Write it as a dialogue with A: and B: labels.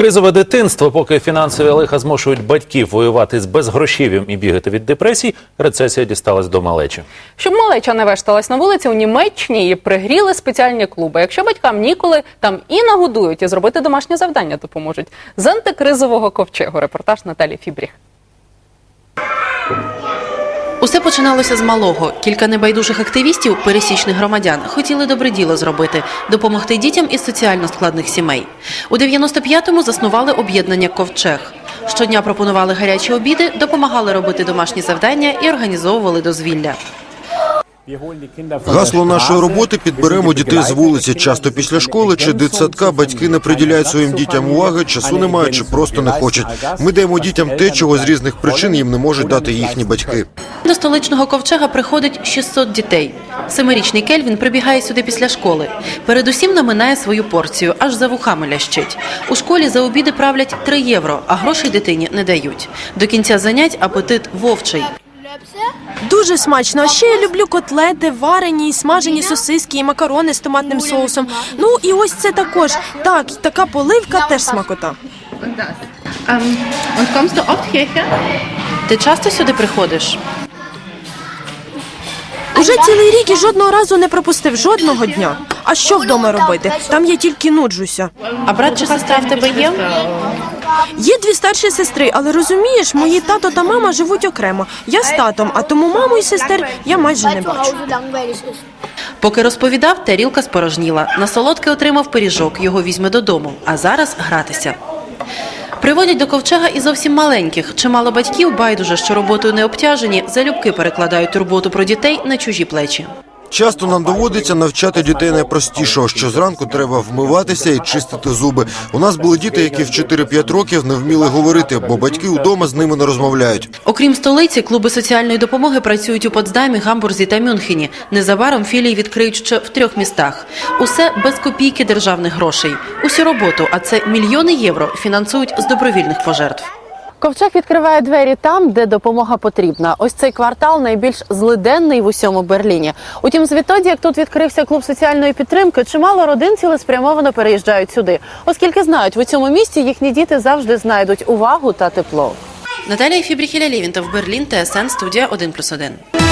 A: Кризове дитинство, поки фінансові лиха змушують батьків воювати з безгрошів'ям і бігати від депресій, рецесія дісталась до малечі.
B: Щоб малеча не вешталась на вулиці, у Німеччині її пригріли спеціальні клуби. Якщо батькам ніколи, там і нагодують, і зробити домашнє завдання допоможуть. З антикризового ковчегу репортаж Наталі Фібріх.
C: Усе починалося з малого. Кілька небайдужих активістів, пересічних громадян, хотіли добре діло зробити – допомогти дітям із соціально складних сімей. У 95-му заснували об'єднання «Ковчег». Щодня пропонували гарячі обіди, допомагали робити домашні завдання і організовували дозвілля.
D: Гасло нашої роботи – підберемо дітей з вулиці. Часто після школи чи дитсадка батьки не приділяють своїм дітям уваги, часу не мають чи просто не хочуть. Ми даємо дітям те, чого з різних причин їм не можуть дати їхні батьки.
C: До столичного ковчега приходить 600 дітей. 7-річний Кельвін прибігає сюди після школи. Передусім наминає свою порцію, аж за вухами лящить. У школі за обіди правлять 3 євро, а грошей дитині не дають. До кінця занять апетит вовчий.
E: Дуже смачно. А ще я люблю котлети, варені і смажені сосиски і макарони з томатним соусом. Ну і ось це також. Так, така поливка теж смакота.
C: Ти часто сюди приходиш?
E: Уже цілий рік і жодного разу не пропустив, жодного дня. А що вдома робити? Там я тільки нуджуся.
C: А брат чи сестра в тебе є?
E: Є 2 старші сестри, але розумієш, мої тато та мама живуть окремо. Я з татом, а тому маму і сестер я майже не бачу.
C: Поки розповідав, тарілка спорожніла. На солодке отримав пиріжок, його візьме додому. А зараз гратися. Приводять до ковчега і зовсім маленьких. Чимало батьків, байдуже, що роботою не обтяжені, залюбки перекладають турботу про дітей на чужі плечі.
D: Часто нам доводиться навчати дітей найпростішого, що зранку треба вмиватися і чистити зуби. У нас були діти, які в 4-5 років не вміли говорити, бо батьки вдома з ними не розмовляють.
C: Окрім столиці, клуби соціальної допомоги працюють у Потсдамі, Гамбурзі та Мюнхені. Незабаром філії відкриють ще в 3 містах. Усе без копійки державних грошей. Усю роботу, а це мільйони євро, фінансують з добровільних пожертв.
B: Ковчег відкриває двері там, де допомога потрібна. Ось цей квартал найбільш злиденний в усьому Берліні. Утім, звідтоді, як тут відкрився клуб соціальної підтримки, чимало родин цілеспрямовано переїжджають сюди. Оскільки знають, в цьому місті їхні діти завжди знайдуть увагу та тепло.
C: Наталія Фібріх, Ілля Лєвінтов, Берлін, ТСН, студія 1+1.